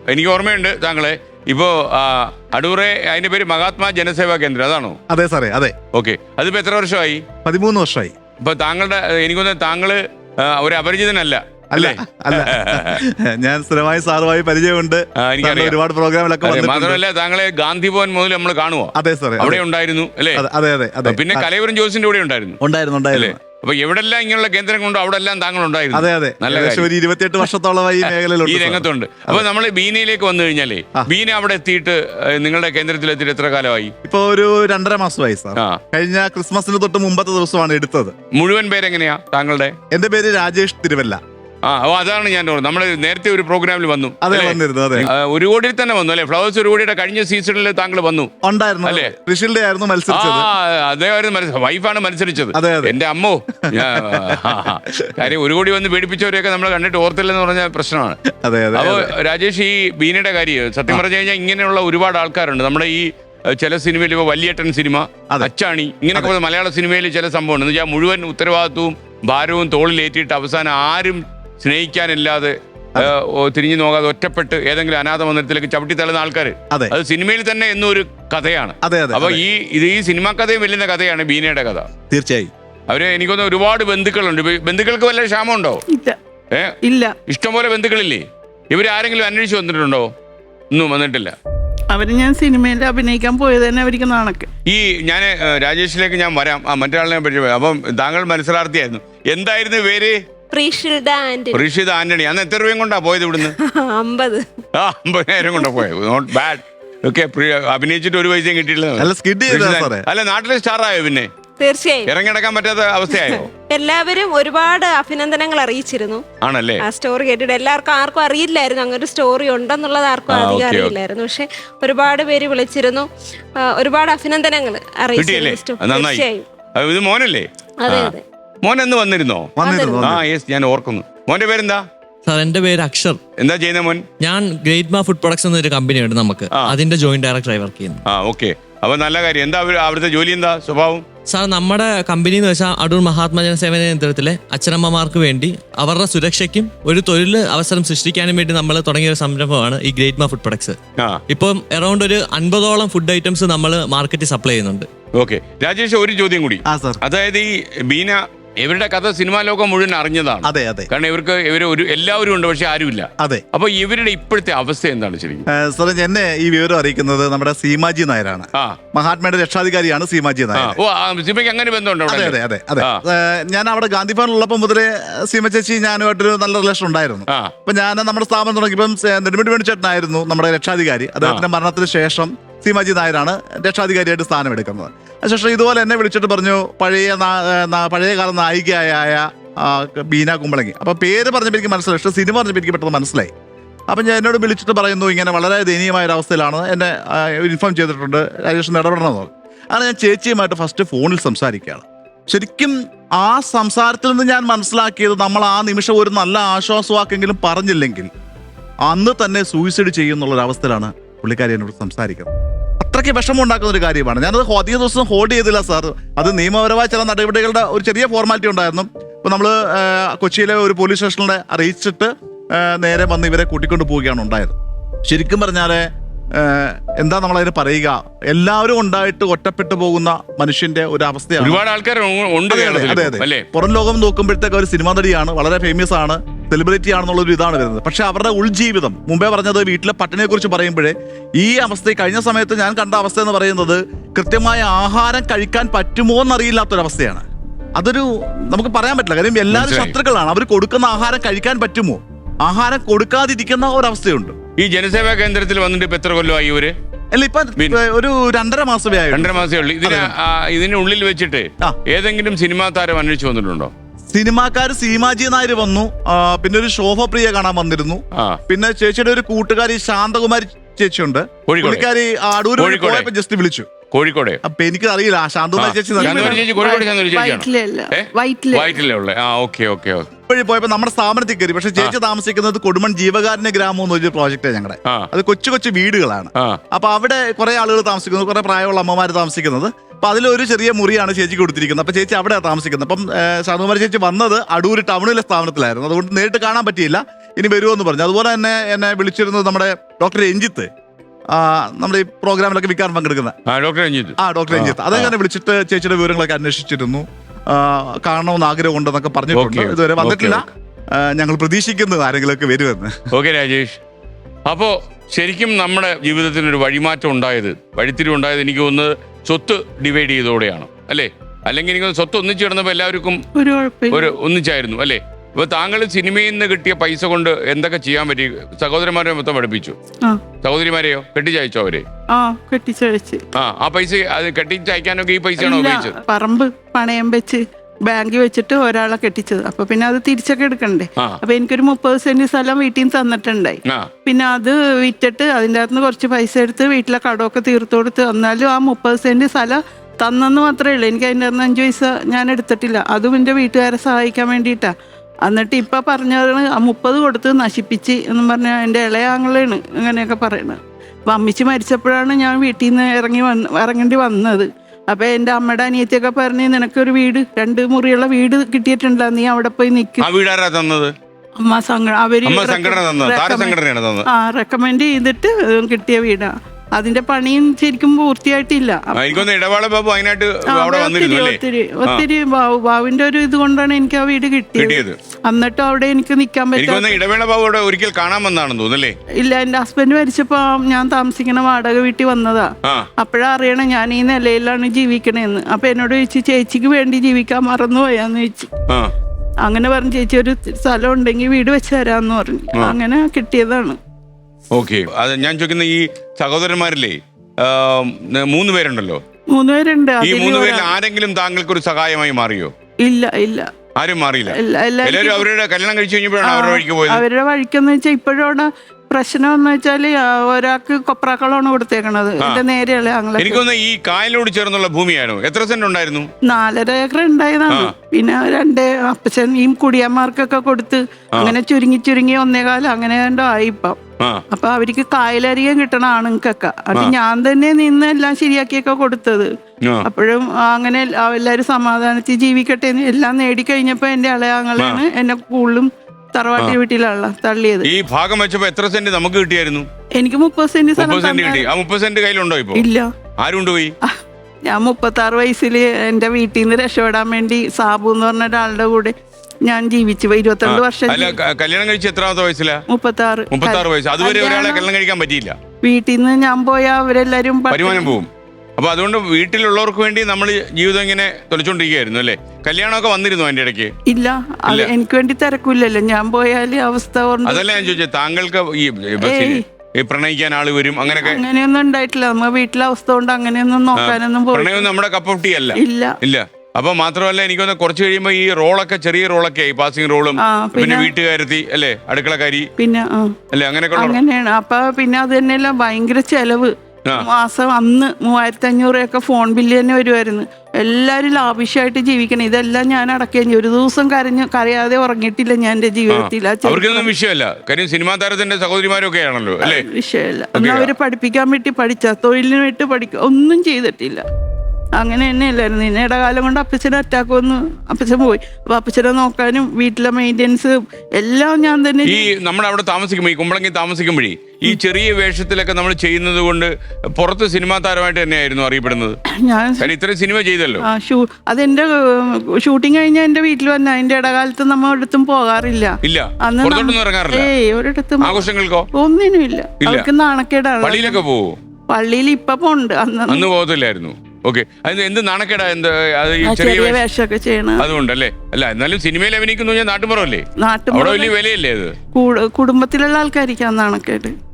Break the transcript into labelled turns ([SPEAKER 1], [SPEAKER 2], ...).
[SPEAKER 1] എനിക്ക് ഓർമ്മയുണ്ട് താങ്കളെ. ഇപ്പോ അടൂറെ അതിന്റെ പേര് മഹാത്മാ ജനസേവാ കേന്ദ്രം, അതാണോ?
[SPEAKER 2] അതെ സാറേ, അതെ.
[SPEAKER 1] ഓക്കെ, അതിപ്പോ എത്ര വർഷമായി?
[SPEAKER 2] 13 വർഷമായി.
[SPEAKER 1] ഇപ്പൊ താങ്കളുടെ എനിക്കൊന്ന് താങ്കള് ഒരു അപരിചിതനല്ല
[SPEAKER 2] അല്ലേ? അല്ല, ഞാൻ സ്ഥിരമായി സാറുമായി പരിചയമുണ്ട്. ഒരുപാട് പ്രോഗ്രാമിലൊക്കെ.
[SPEAKER 1] മാത്രമല്ല, താങ്കളെ ഗാന്ധി ഭവൻ മുതൽ നമ്മൾ കാണുമോ?
[SPEAKER 2] അതെ സാറേ,
[SPEAKER 1] അവിടെ ഉണ്ടായിരുന്നു അല്ലേ?
[SPEAKER 2] അതെ അതെ അതെ.
[SPEAKER 1] പിന്നെ കലൈവരം ജോസിന്റെ കൂടെ ഉണ്ടായിരുന്നു. അപ്പൊ എവിടെല്ലാം ഇങ്ങനെയുള്ള കേന്ദ്രങ്ങളുണ്ടോ അവിടെ എല്ലാം താങ്കൾ ഉണ്ടായിരുന്നു.
[SPEAKER 2] അതെ അതെ, നല്ല 28 വർഷത്തോളമായി ഈ
[SPEAKER 1] രംഗത്തുണ്ട്. അപ്പൊ നമ്മൾ ബീനയിലേക്ക് വന്നു കഴിഞ്ഞാലേ, ബീന അവിടെ എത്തിയിട്ട് നിങ്ങളുടെ കേന്ദ്രത്തിൽ എത്തിയിട്ട് എത്ര കാലമായി?
[SPEAKER 2] ഇപ്പൊ ഒരു 2.5 മാസമായി സാർ. കഴിഞ്ഞ ക്രിസ്മസിന് തൊട്ട് മുമ്പത്തെ ദിവസമാണ് എടുത്തത്.
[SPEAKER 1] മുഴുവൻ പേരെങ്ങനെയാ താങ്കളുടെ?
[SPEAKER 2] എന്റെ പേര് രാജേഷ് തിരുവല്ല.
[SPEAKER 1] അതാണ് ഞാൻ ഓർമ്മ. നമ്മൾ നേരത്തെ ഒരു പ്രോഗ്രാമിൽ വന്നു.
[SPEAKER 2] അതെ, വന്നിരുന്നു. അതെ,
[SPEAKER 1] 1 കോടിയിൽ തന്നെ വന്നു അല്ലെ? ഫ്ലവേഴ്സ് 1 കോടിയുടെ കഴിഞ്ഞ സീസണിൽ താങ്കൾ വന്നു
[SPEAKER 2] ഉണ്ടായിരുന്നു അല്ലേ? ഋഷിയുടെ ആയിരുന്നു മത്സരിച്ചത്.
[SPEAKER 1] അദ്ദേഹമായിരുന്നു വൈഫാണ് മത്സരിച്ചത്. എന്റെ അമ്മോ, കാര്യം 1 കോടി വന്ന് പേടിപ്പിച്ചവരെയൊക്കെ നമ്മൾ കണ്ടിട്ട് ഓർത്തില്ലെന്ന് പറഞ്ഞ പ്രശ്നമാണ്. അപ്പൊ രാജേഷ്, ഈ ബീനയുടെ കാര്യം സത്യം പറഞ്ഞു കഴിഞ്ഞാൽ ഇങ്ങനെയുള്ള ഒരുപാട് ആൾക്കാരുണ്ട് നമ്മുടെ ഈ ചില സിനിമയിൽ. ഇപ്പൊ വല്യേട്ടൻ സിനിമ, അച്ചാണി, ഇങ്ങനെയൊക്കെ മലയാള സിനിമയിൽ ചില സംഭവം എന്ന് വെച്ചാൽ മുഴുവൻ ഉത്തരവാദിത്വവും ഭാരവും തോളിലേറ്റിയിട്ട് അവസാനം ആരും സ്നേഹിക്കാനില്ലാതെ തിരിഞ്ഞു നോക്കാതെ ഒറ്റപ്പെട്ട് ഏതെങ്കിലും അനാഥ മന്ദിരത്തിലേക്ക് ചവിട്ടി തള്ളുന്ന ആൾക്കാർ. അത് സിനിമയിൽ തന്നെ എന്നൊരു കഥയാണ്. അപ്പൊ ഈ സിനിമാ കഥയും വെല്ലുന്ന കഥയാണ് ബീനയുടെ കഥ.
[SPEAKER 2] തീർച്ചയായും.
[SPEAKER 1] അവര് എനിക്കൊന്ന് ഒരുപാട് ബന്ധുക്കളുണ്ട്. ബന്ധുക്കൾക്ക് വല്ല ക്ഷാമമുണ്ടോ?
[SPEAKER 3] ഇല്ല.
[SPEAKER 1] ഇഷ്ടംപോലെ ബന്ധുക്കളില്ലേ? ഇവരാരെങ്കിലും അന്വേഷിച്ച് വന്നിട്ടുണ്ടോ? ഒന്നും വന്നിട്ടില്ല.
[SPEAKER 3] അവര് ഞാൻ സിനിമയിൽ അഭിനയിക്കാൻ പോയത് തന്നെ അവർക്ക് നാണക്ക്.
[SPEAKER 1] ഞാൻ രാജേഷിലേക്ക് ഞാൻ വരാം. മറ്റൊരാളിനെ പറ്റി. അപ്പം താങ്കൾ മത്സരാർത്ഥിയായിരുന്നു. എന്തായിരുന്നു പേര്? പ്രീഷിത ആന്റണി. അന്ന് എത്ര രൂപയും കൊണ്ടാ പോയത് ഇവിടുന്ന്? 50,000 കൊണ്ടാ പോയത്. Not bad. ഓക്കെ, അഭിനയിച്ചിട്ട് 1 പൈസയും കിട്ടിയില്ല. അല്ല, നാട്ടിലെ സ്റ്റാറായോ? പിന്നെ
[SPEAKER 4] തീർച്ചയായും
[SPEAKER 1] ഇറങ്ങിടക്കാൻ പറ്റാത്ത അവസ്ഥയായോ?
[SPEAKER 4] എല്ലാവരും ഒരുപാട് അഭിനന്ദനങ്ങൾ അറിയിച്ചിരുന്നു.
[SPEAKER 1] ആണല്ലേ?
[SPEAKER 4] ആ സ്റ്റോറി കേട്ടിട്ട് ആർക്കും അറിയില്ലായിരുന്നു അങ്ങനെ ഒരു സ്റ്റോറി ഉണ്ടെന്നുള്ളത്. ആർക്കും അധികം അറിയില്ലായിരുന്നു. പക്ഷെ ഒരുപാട് പേര് വിളിച്ചിരുന്നു, ഒരുപാട് അഭിനന്ദനങ്ങൾ അറിയിച്ചിരുന്നു. തീർച്ചയായും.
[SPEAKER 1] ഇത് മോനല്ലേ?
[SPEAKER 4] അതെ അതെ.
[SPEAKER 1] മോൻ എന്ന് വന്നിരുന്നോ? ഞാൻ ഓർക്കുന്നു. മോന്റെ പേരെന്താ?
[SPEAKER 5] സാർ, എന്റെ പേര് അക്ഷർ.
[SPEAKER 1] എന്താ ചെയ്യുന്ന മോൻ?
[SPEAKER 5] ഞാൻ ഗ്രേറ്റ് ഫുഡ് പ്രൊഡക്ട്സ് എന്നൊരു കമ്പനിയുണ്ട് നമുക്ക്, അതിന്റെ ജോയിന്റ് ഡയറക്ടറായി വർക്ക് ചെയ്യുന്നു.
[SPEAKER 1] ഓക്കെ. അപ്പൊ നല്ല കാര്യം. എന്താ അവിടുത്തെ ജോലി? എന്താ സ്വഭാവം?
[SPEAKER 5] സാർ, നമ്മുടെ കമ്പനി എന്ന് വെച്ചാൽ അടൂർ മഹാത്മാ ജനസേവന കേന്ദ്രത്തിലെ അച്ഛനമ്മമാർക്ക് വേണ്ടി അവരുടെ സുരക്ഷയ്ക്കും ഒരു തൊഴിൽ അവസരം സൃഷ്ടിക്കാനും വേണ്ടി നമ്മൾ തുടങ്ങിയ ഒരു സംരംഭമാണ് ഈ ഗ്രേറ്റ് ഫുഡ് പ്രൊഡക്ട്സ്. ഇപ്പം അറൌണ്ട് ഒരു 50ഓളം ഫുഡ് ഐറ്റംസ് നമ്മൾ മാർക്കറ്റിൽ സപ്ലൈ ചെയ്യുന്നുണ്ട്.
[SPEAKER 1] ഓക്കെ. രാജേഷ്, ഒരു ചോദ്യം കൂടി. അതായത് ഈ ബീന, ഇവരുടെ കഥ സിനിമാ ലോകം മുഴുവൻ അറിഞ്ഞതാണ്.
[SPEAKER 2] അതെ അതെ.
[SPEAKER 1] കാരണം ഇവര് എല്ലാവരും ഉണ്ട്, പക്ഷെ ആരുമില്ല.
[SPEAKER 2] അതെ.
[SPEAKER 1] അപ്പൊ ഇവരുടെ ഇപ്പോഴത്തെ അവസ്ഥ എന്താണ് ശരിക്കും?
[SPEAKER 2] സാറേ, എന്നെ ഈ വിവരം അറിയിക്കുന്നത് നമ്മുടെ സീമാജി നായരാണ്. മഹാത്മയുടെ രക്ഷാധികാരിയാണ് സീമാജി നായർ.
[SPEAKER 1] സീമയ്ക്ക് അങ്ങനെ ബന്ധമുണ്ടോ?
[SPEAKER 2] അതെ അതെ അതെ അതെ. ഞാൻ അവിടെ ഗാന്ധി ഭവൻ ഉള്ളപ്പോൾ മുതലേ സീമ ചേച്ചി ഞാനുമായിട്ടൊരു നല്ല റിലേഷൻ ഉണ്ടായിരുന്നു. അപ്പൊ ഞാൻ നമ്മുടെ സ്ഥാപനം തുടങ്ങിയപ്പം നെടുമുടി വേണുചേട്ടനായിരുന്നു നമ്മുടെ രക്ഷാധികാരി. അദ്ദേഹത്തിന്റെ മരണത്തിന് ശേഷം സീമാജി നായരാണ് രക്ഷാധികാരിയായിട്ട് സ്ഥാനം എടുക്കുന്നത്. അതിനുശേഷം ഇതുപോലെ എന്നെ വിളിച്ചിട്ട് പറഞ്ഞു, പഴയകാല നായികയായ ബീന കുമ്പളങ്ങി. അപ്പൊ പേര് പറഞ്ഞപ്പോൾ എനിക്ക് മനസ്സിലായി, പക്ഷേ സിനിമ പറഞ്ഞപ്പോൾ എനിക്ക് പെട്ടെന്ന് മനസ്സിലായി. അപ്പം ഞാൻ എന്നോട് വിളിച്ചിട്ട് പറയുന്നു, ഇങ്ങനെ വളരെ ദയനീയമായ ഒരു അവസ്ഥയിലാണ്, എന്നെ ഇൻഫോം ചെയ്തിട്ടുണ്ട്, രാജേഷിന് ഇടപെടണമെന്ന് പറഞ്ഞു. അങ്ങനെ ഞാൻ ചേച്ചിയുമായിട്ട് ഫസ്റ്റ് ഫോണിൽ സംസാരിക്കുകയാണ്. ശരിക്കും ആ സംസാരത്തിൽ നിന്ന് ഞാൻ മനസ്സിലാക്കിയത്, നമ്മൾ ആ നിമിഷം ഒരു നല്ല ആശ്വാസവാക്കെങ്കിലും പറഞ്ഞില്ലെങ്കിൽ അന്ന് തന്നെ സൂയിസൈഡ് ചെയ്യുന്നുള്ളൊരവസ്ഥയിലാണ് പുള്ളിക്കാരി എന്നോട് സംസാരിക്കുന്നത്. അത്രയ്ക്ക് വിഷമം ഉണ്ടാക്കുന്ന ഒരു കാര്യമാണ്. ഞാനത് അധിക ദിവസം ഹോൾഡ് ചെയ്തില്ല സാർ. അത് നിയമപരമായ ചില നടപടികളുടെ ഒരു ചെറിയ ഫോർമാലിറ്റി ഉണ്ടായിരുന്നു. ഇപ്പോൾ നമ്മൾ കൊച്ചിയിലെ ഒരു പോലീസ് സ്റ്റേഷനിൽ അറിയിച്ചിട്ട് നേരെ വന്ന് ഇവരെ കൂട്ടിക്കൊണ്ട് പോവുകയാണ് ഉണ്ടായത്. ശരിക്കും പറഞ്ഞാൽ എന്താ നമ്മളതിന് പറയുക, എല്ലാവരും ഉണ്ടായിട്ട് ഒറ്റപ്പെട്ടു പോകുന്ന മനുഷ്യന്റെ ഒരു അവസ്ഥയാണ്.
[SPEAKER 1] ഒരുപാട് ആൾക്കാർ ഉണ്ട്.
[SPEAKER 2] അതെ അതെ. പുറം ലോകം നോക്കുമ്പോഴത്തേക്ക് ഒരു സിനിമാ നടിയാണ്, വളരെ ഫേമസ് ആണ്, സെലിബ്രിറ്റി ആണെന്നുള്ളൊരു ഇതാണ് വരുന്നത്. പക്ഷെ അവരുടെ ഉൾജീവിതം, മുമ്പേ പറഞ്ഞത് വീട്ടിലെ പട്ടിണിയെ കുറിച്ച് പറയുമ്പോഴേ, ഈ അവസ്ഥ കഴിഞ്ഞ സമയത്ത് ഞാൻ കണ്ട അവസ്ഥ എന്ന് പറയുന്നത്, കൃത്യമായ ആഹാരം കഴിക്കാൻ പറ്റുമോ എന്നറിയില്ലാത്തൊരവസ്ഥയാണ്. അതൊരു നമുക്ക് പറയാൻ പറ്റില്ല. കാര്യം എല്ലാവരും ശത്രുക്കളാണ്. അവർ കൊടുക്കുന്ന ആഹാരം കഴിക്കാൻ പറ്റുമോ, ആഹാരം കൊടുക്കാതിരിക്കുന്ന ഒരവസ്ഥയുണ്ട്.
[SPEAKER 1] ഈ ജനസേവാ കേന്ദ്രത്തിൽ വന്നിട്ട് ഇപ്പൊ എത്ര കൊല്ലമായി ഇവര്?
[SPEAKER 2] അല്ല, ഇപ്പൊ ഒരു 2.5 മാസമേ ആയി.
[SPEAKER 1] 2.5 മാസമേ ഉള്ളൂ. ഇതിനുള്ളിൽ വെച്ചിട്ട് ഏതെങ്കിലും സിനിമാ താരം അന്വേഷിച്ചു വന്നിട്ടുണ്ടോ?
[SPEAKER 2] സിനിമാക്കാര് സീമാജി നായർ വന്നു, പിന്നെ ഒരു ശോഭ പ്രിയ കാണാൻ വന്നിരുന്നു, പിന്നെ ചേച്ചിയുടെ ഒരു കൂട്ടുകാരി ശാന്തകുമാരി ചേച്ചിയുണ്ട്, പുള്ളിക്കാരി അടൂർ പോയപ്പോ ജസ്റ്റ് വിളിച്ചു.
[SPEAKER 1] കോഴിക്കോട്.
[SPEAKER 2] അപ്പൊ എനിക്ക് അറിയില്ല, ശാന്തകുമാരി ചേച്ചി പോയപ്പോ നമ്മുടെ സ്ഥാപനത്തിൽ കയറി. പക്ഷെ ചേച്ചി താമസിക്കുന്നത് കൊടുമൺ ജീവകാരുണ്യ ഗ്രാമം എന്നൊരു പ്രോജക്റ്റ് ഞങ്ങളുടെ. അത് കൊച്ചു കൊച്ചു വീടുകളാണ്. അപ്പൊ അവിടെ കുറെ ആളുകൾ താമസിക്കുന്നത്, കുറെ പ്രായമുള്ള അമ്മമാര് താമസിക്കുന്നത്. അപ്പൊ അതിലൊരു ചെറിയ മുറിയാണ് ചേച്ചിക്ക് കൊടുത്തിരിക്കുന്നത്. അപ്പൊ ചേച്ചി അവിടെയാണ് താമസിക്കുന്നത്. അപ്പം ശാന്തകുമാരി ചേച്ചി വന്നത് അടൂർ ടൗണിലെ സ്ഥാപനത്തിലായിരുന്നു, അതുകൊണ്ട് നേരിട്ട് കാണാൻ പറ്റിയില്ല. ഇനി വരുമെന്ന് പറഞ്ഞു. അതുപോലെ തന്നെ എന്നെ വിളിച്ചിരുന്നത് നമ്മുടെ ഡോക്ടർ രഞ്ജിത്ത്, നമ്മുടെ ഈ പ്രോഗ്രാമിലൊക്കെ വിൽക്കാൻ പങ്കെടുക്കുന്ന ഡോക്ടർ രഞ്ജിത്ത്. അതെങ്ങനെ വിളിച്ചിട്ട് ചേച്ചിയുടെ വിവരങ്ങളൊക്കെ അന്വേഷിച്ചിരുന്നു. കാണണമെന്ന് ആഗ്രഹം ഉണ്ടെന്നൊക്കെ പറഞ്ഞിട്ടുണ്ട്. ഇതുവരെ വന്നിട്ടില്ല. ഞങ്ങൾ പ്രതീക്ഷിക്കുന്നു ആരെങ്കിലുമൊക്കെ വരുമെന്ന്.
[SPEAKER 1] ഓക്കെ രാജേഷ്, അപ്പോ ശരിക്കും നമ്മുടെ ജീവിതത്തിന് ഒരു വഴിമാറ്റം ഉണ്ടായത്, വഴിത്തിരിവുണ്ടായത് എനിക്ക് തോന്നുന്നത് സ്വത്ത് ഡിവൈഡ് ചെയ്തോടെയാണ് അല്ലേ? അല്ലെങ്കിൽ എനിക്ക് സ്വത്ത് ഒന്നിച്ചു കിടന്നപ്പോൾ എല്ലാവർക്കും ഒരു ഒന്നിച്ചായിരുന്നു അല്ലേ? ഇപ്പൊ താങ്കൾ സിനിമയിൽ നിന്ന് കിട്ടിയ പൈസ കൊണ്ട് എന്തൊക്കെ ചെയ്യാൻ പറ്റി? സഹോദരന്മാരെ മൊത്തം പഠിപ്പിച്ചു. സഹോദരിമാരെയോ കെട്ടിച്ചയച്ചോ അവരെ? ആ പൈസ അത് കെട്ടിച്ചയക്കാനൊക്കെ ഈ പൈസയാണോ ഉപയോഗിച്ചത്?
[SPEAKER 3] പറമ്പ് പണയം വെച്ച് ബാങ്കിൽ വെച്ചിട്ട് ഒരാളെ കെട്ടിച്ചത്. അപ്പൊ പിന്നെ അത് തിരിച്ചൊക്കെ എടുക്കണ്ടേ. അപ്പൊ എനിക്കൊരു 30 സെന്റ് സ്ഥലം വീട്ടിൽ നിന്ന് തന്നിട്ടുണ്ടായി. പിന്നെ അത് വിറ്റിട്ട് അതിൻ്റെ അകത്തുനിന്ന് കുറച്ച് പൈസ എടുത്ത് വീട്ടിലെ കടമൊക്കെ തീർത്തു കൊടുത്ത്. എന്നാലും ആ 30 സെന്റ് സ്ഥലം തന്നെന്ന് മാത്രമേ ഉള്ളൂ. എനിക്ക് അതിൻ്റെ അകത്ത് 5 പൈസ ഞാൻ എടുത്തിട്ടില്ല. അതും എൻ്റെ വീട്ടുകാരെ സഹായിക്കാൻ വേണ്ടിയിട്ടാ. എന്നിട്ട് ഇപ്പൊ പറഞ്ഞത് ആ 30 കൊടുത്ത് നശിപ്പിച്ച് എന്നും പറഞ്ഞ എൻ്റെ ഇളയ ആങ്ങളാണ് അങ്ങനെയൊക്കെ പറയണത്. അപ്പൊ അമ്മിച്ച് മരിച്ചപ്പോഴാണ് ഞാൻ വീട്ടിൽ നിന്ന് ഇറങ്ങേണ്ടി വന്നത്. അപ്പൊ എന്റെ അമ്മയുടെ അനിയത്തിയൊക്കെ പറഞ്ഞ് നിനക്കൊരു വീട് 2 മുറിയുള്ള വീട് കിട്ടിയിട്ടുണ്ടോ, നീ അവിടെ പോയി നിൽക്കും. അമ്മ റെക്കമെൻഡ് ചെയ്തിട്ട് കിട്ടിയ വീടാ. അതിന്റെ പണിയും ശരിക്കും പൂർത്തിയായിട്ടില്ല. ഒത്തിരി ബാബുവിന്റെ ഒരു ഇത് കൊണ്ടാണ് എനിക്ക് ആ വീട് കിട്ടിയത്. എന്നിട്ടും അവിടെ എനിക്ക് നിൽക്കാൻ പറ്റില്ല. ഇല്ല, എന്റെ ഹസ്ബൻഡ് മരിച്ചപ്പോ ഞാൻ താമസിക്കുന്ന വാടക വീട്ടിൽ വന്നതാ. അപ്പോഴാ അറിയണം ഞാൻ ഈ നിലയിലാണ് ജീവിക്കണേന്ന്. അപ്പൊ എന്നോട് ചോദിച്ചു ചേച്ചിക്ക് വേണ്ടി ജീവിക്കാൻ മറന്നുപോയാന്ന് ചോദിച്ചു. അങ്ങനെ പറഞ്ഞു ചേച്ചി ഒരു സ്ഥലം ഉണ്ടെങ്കിൽ വീട് വെച്ച് തരാന്ന് പറഞ്ഞു. അങ്ങനെ കിട്ടിയതാണ്.
[SPEAKER 1] ഓക്കെ, അത് ഞാൻ ചോദിക്കുന്ന ഈ സഹോദരന്മാരില്ലേ 3 പേരുണ്ടല്ലോ?
[SPEAKER 3] 3 പേരുണ്ട്.
[SPEAKER 1] ഈ 3 പേരിൽ ആരെങ്കിലും താങ്കൾക്ക് ഒരു സഹായമായി മാറിയോ?
[SPEAKER 3] ഇല്ല,
[SPEAKER 1] ആരും മാറിയില്ല. എല്ലാവരും അവരുടെ കല്യാണം കഴിച്ചു കഴിഞ്ഞപ്പോഴാണ് അവരുടെ വഴിക്ക് പോയത്.
[SPEAKER 3] അവരുടെ വഴിക്കെന്ന് വെച്ചാൽ ഇപ്പോഴും അവിടെ പ്രശ്നം എന്ന് വെച്ചാല് ഒരാൾക്ക് കൊപ്രാക്കളാണ് കൊടുത്തേക്കണത്. എന്റെ നേരെയുള്ള
[SPEAKER 1] എനിക്കൊന്ന് ഈ കായലോട് ചേർന്നുള്ള ഭൂമിയായിരുന്നു. എത്ര സെന്റ് ഉണ്ടായിരുന്നു?
[SPEAKER 3] 4.5 ഏക്കർ ഉണ്ടായതാണ്. പിന്നെ 2 അപ്പച്ചൻ ഈ കുടിയന്മാർക്കൊക്കെ കൊടുത്ത് അങ്ങനെ ചുരുങ്ങി 1.25 അങ്ങനെ കണ്ടോ ആയി ഇപ്പം. അപ്പൊ അവർക്ക് കായലരികം കിട്ടണ ആണുങ്ങൾക്കൊക്കെ അത് ഞാൻ തന്നെ നിന്ന് എല്ലാം ശരിയാക്കിയൊക്കെ കൊടുത്തത്. അപ്പോഴും അങ്ങനെ എല്ലാവരും സമാധാനത്തിൽ ജീവിക്കട്ടെ എല്ലാം നേടിക്കഴിഞ്ഞപ്പോ എന്റെ ഇളയാങ്ങളാണ് എന്നെ കൂടുതലും തറവാട്ടി വീട്ടിലുള്ള തള്ളിയത്.
[SPEAKER 1] ഈ ഭാഗം വെച്ചപ്പോ എത്ര സെന്റ് നമുക്ക് കിട്ടിയായിരുന്നു?
[SPEAKER 3] എനിക്ക് 30 സെന്റ്
[SPEAKER 1] കിട്ടി. ആ 30 സെന്റ് കയ്യിലുണ്ടോ ഇപ്പൊ?
[SPEAKER 3] ഇല്ല.
[SPEAKER 1] ആരും കൊണ്ടുപോയി?
[SPEAKER 3] ഞാൻ 36 വയസ്സില് എന്റെ വീട്ടിൽ നിന്ന് രക്ഷപ്പെടാൻ വേണ്ടി സാബു എന്ന് പറഞ്ഞ ഒരാളുടെ കൂടെ ഞാൻ ജീവിച്ചു 22 വർഷം.
[SPEAKER 1] കല്യാണം കഴിച്ച് എത്രാമത്തെ വയസ്സിലാ?
[SPEAKER 3] 36
[SPEAKER 1] വയസ്സ്. അതുവരെ ഒരാളെ കല്യാണം കഴിക്കാൻ പറ്റിയില്ല.
[SPEAKER 3] വീട്ടിൽ നിന്ന് ഞാൻ പോയാ അവരെല്ലാരും
[SPEAKER 1] വരുമാനം പോവും. അപ്പൊ അതുകൊണ്ട് വീട്ടിലുള്ളവർക്ക് വേണ്ടി നമ്മൾ ജീവിതം ഇങ്ങനെ തൊലച്ചോണ്ടിരിക്കുകയായിരുന്നു അല്ലേ? കല്യാണമൊക്കെ വന്നിരുന്നു അതിന്റെ ഇടയ്ക്ക്?
[SPEAKER 3] ഇല്ല, എനിക്ക് വേണ്ടി തിരക്കില്ലല്ലോ. ഞാൻ പോയാല് അവസ്ഥ.
[SPEAKER 1] അതല്ല ഞാൻ ചോദിച്ചത്, താങ്കൾക്ക് ഈ പ്രണയിക്കാൻ ആള് വരും
[SPEAKER 3] അങ്ങനെയൊന്നും ഉണ്ടായിട്ടില്ല. നമ്മ വീട്ടിലെ അവസ്ഥ കൊണ്ട് അങ്ങനെയൊന്നും നോക്കാനൊന്നും
[SPEAKER 1] പ്രണയം നമ്മുടെ കപ്പ് ഓഫ് ടീ അല്ല. ഇല്ല. അപ്പൊ മാത്രമല്ല എനിക്കൊന്ന് കുറച്ച് കഴിയുമ്പോ ഈ റോളൊക്കെ ചെറിയ റോളൊക്കെ ആയി, പാസിംഗ് റോളും പിന്നെ വീട്ടുകാരത്തി അല്ലേ, അടുക്കളക്കാരി പിന്നെ അല്ലേ,
[SPEAKER 3] അങ്ങനെയാണ്. അപ്പൊ പിന്നെ അത് തന്നെയല്ല ഭയങ്കര ചെലവ്. മാസം അന്ന് 3500 ഒക്കെ ഫോൺ ബില്ല് തന്നെ വരുമായിരുന്നു. എല്ലാരും ലാവിഷായിട്ട് ജീവിക്കണം. ഇതെല്ലാം ഞാൻ അടക്കുകയും ഒരു ദിവസം കരയാതെ ഉറങ്ങിയിട്ടില്ല ഞാൻ എന്റെ ജീവിതത്തിൽ.
[SPEAKER 1] അവർക്കൊന്നും വിഷയമല്ല, കാര്യം സിനിമാ താരത്തിന്റെ സഹോദരിമാരൊക്കെ ആണല്ലോ അല്ലേ?
[SPEAKER 3] വിഷയമല്ല. എന്നാൽ അവര് പഠിപ്പിക്കാൻ വേണ്ടി പഠിച്ച, തൊഴിലിന് വേണ്ടി പഠിക്കുക ഒന്നും ചെയ്തിട്ടില്ല. അങ്ങനെ തന്നെയല്ലായിരുന്നു. ഇന്നയുടെ കാലം കൊണ്ട് അപ്പച്ചനെ അറ്റാക്ക് വന്ന് അപ്പച്ചൻ പോയി. അപ്പൊ അപ്പച്ചനെ നോക്കാനും വീട്ടിലെ മെയിൻ്റെനൻസ് എല്ലാം ഞാൻ തന്നെ.
[SPEAKER 1] ഈ നമ്മളവിടെ താമസിക്കുമ്പോൾ, ഈ കുമ്പളങ്ങി താമസിക്കുമ്പോഴേ ഈ ചെറിയ വേഷത്തിലൊക്കെ നമ്മൾ ചെയ്യുന്നത് കൊണ്ട് പുറത്ത് സിനിമാ താരമായിട്ട് തന്നെയായിരുന്നു അറിയപ്പെടുന്നത്. ഞാൻ ഇത്രയും സിനിമ ചെയ്തല്ലോ.
[SPEAKER 3] അതെന്റെ ഷൂട്ടിംഗ് കഴിഞ്ഞാൽ എന്റെ വീട്ടിൽ വന്ന അതിന്റെ ഇടകാലത്ത് നമ്മൾ ഒരിടത്തും പോകാറില്ല. ഒരിടത്തും
[SPEAKER 1] ആഘോഷങ്ങൾക്കോ
[SPEAKER 3] ഒന്നിനും ഇല്ല. അവർക്ക് നാണക്കേടാണ്.
[SPEAKER 1] പള്ളിയിലൊക്കെ പോവോ?
[SPEAKER 3] പള്ളിയിൽ ഇപ്പൊ പോണ്ട്,
[SPEAKER 1] അന്ന് പോകത്തില്ലായിരുന്നു. ഓക്കെ, എന്ത് നാണക്കേടാ? എന്ത്
[SPEAKER 3] ചെറിയ വേഷമൊക്കെ ചെയ്യണം
[SPEAKER 1] അതുകൊണ്ടല്ലേ? അല്ല എന്നാലും സിനിമയിൽ അഭിനയിക്കുന്നു നാട്ടുപുറമല്ലേ, അവിടെ വലിയ വിലയല്ലേ അത്?
[SPEAKER 3] കുടുംബത്തിലുള്ള ആൾക്കാരിക്കാണ് നാണക്കേട്.